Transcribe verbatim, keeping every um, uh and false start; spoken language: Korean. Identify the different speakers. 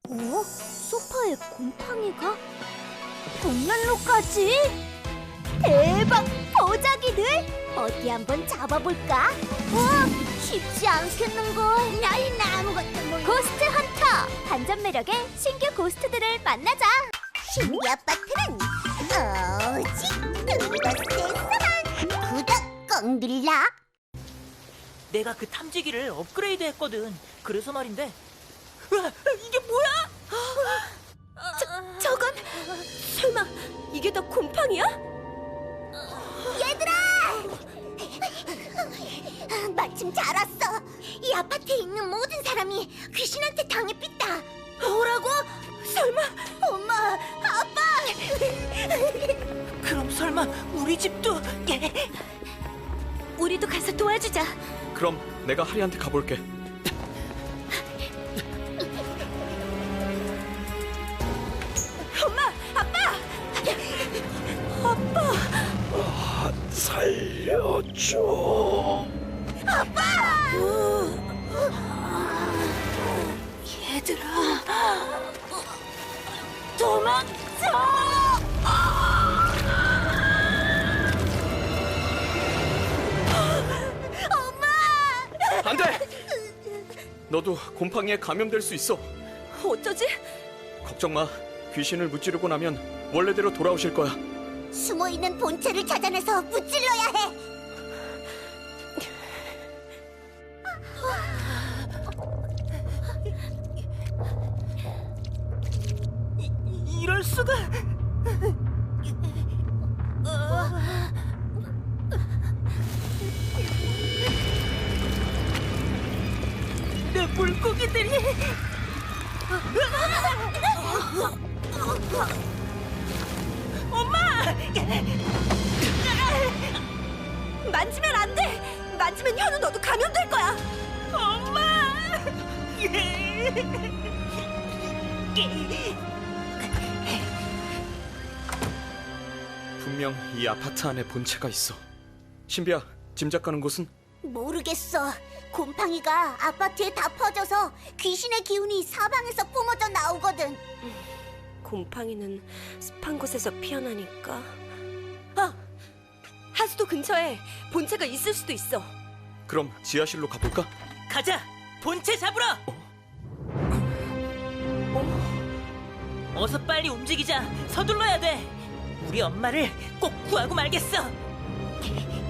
Speaker 1: 어? 소파에 곰팡이가? 벽난로까지? 대박! 보자기들! 어디 한번 잡아볼까? 와! 쉽지 않겠는걸? 나는 아무것도 몰라. 고스트 헌터! 반전 매력의 신규 고스트들을 만나자! 신규 아파트는 오직 그곳에서만! 구독 꼭 눌러!
Speaker 2: 내가 그 탐지기를 업그레이드 했거든. 그래서 말인데. 으아, 이게 뭐야?
Speaker 3: 저, 저건 설마 이게 다 곰팡이야?
Speaker 1: 얘들아! 마침 잘 왔어. 이 아파트에 있는 모든 사람이 귀신한테 당해삐다.
Speaker 3: 뭐라고? 설마
Speaker 1: 엄마, 아빠!
Speaker 2: 그럼 설마 우리 집도?
Speaker 3: 우리도 가서 도와주자.
Speaker 4: 그럼 내가 하리한테 가볼게.
Speaker 3: 엄마, 아빠! 아빠!
Speaker 4: 아, 살려줘.
Speaker 3: 얘들아, 도망쳐!
Speaker 4: 안 돼! 너도 곰팡이에 감염될 수 있어.
Speaker 3: 어쩌지?
Speaker 4: 걱정 마. 귀신을 무찌르고 나면 원래대로 돌아오실 거야.
Speaker 1: 숨어있는 본체를 찾아내서 무찔러야 해.
Speaker 2: 이, 이럴 수가. 내 물고기들이. 엄마!
Speaker 3: 만지면 안 돼! 만지면 현우 너도 감염될 거야!
Speaker 2: 엄마!
Speaker 4: 분명 이 아파트 안에 본체가 있어. 신비야, 짐작 가는 곳은?
Speaker 1: 모르겠어. 곰팡이가 아파트에 다 퍼져서 귀신의 기운이 사방에서 뿜어져 나오거든.
Speaker 3: 곰팡이는 습한 곳에서 피어나니까. 아! 하수도 근처에 본체가 있을 수도 있어.
Speaker 4: 그럼 지하실로 가볼까?
Speaker 2: 가자! 본체 잡으러! 어서 빨리 움직이자. 서둘러야 돼. 우리 엄마를 꼭 구하고 말겠어.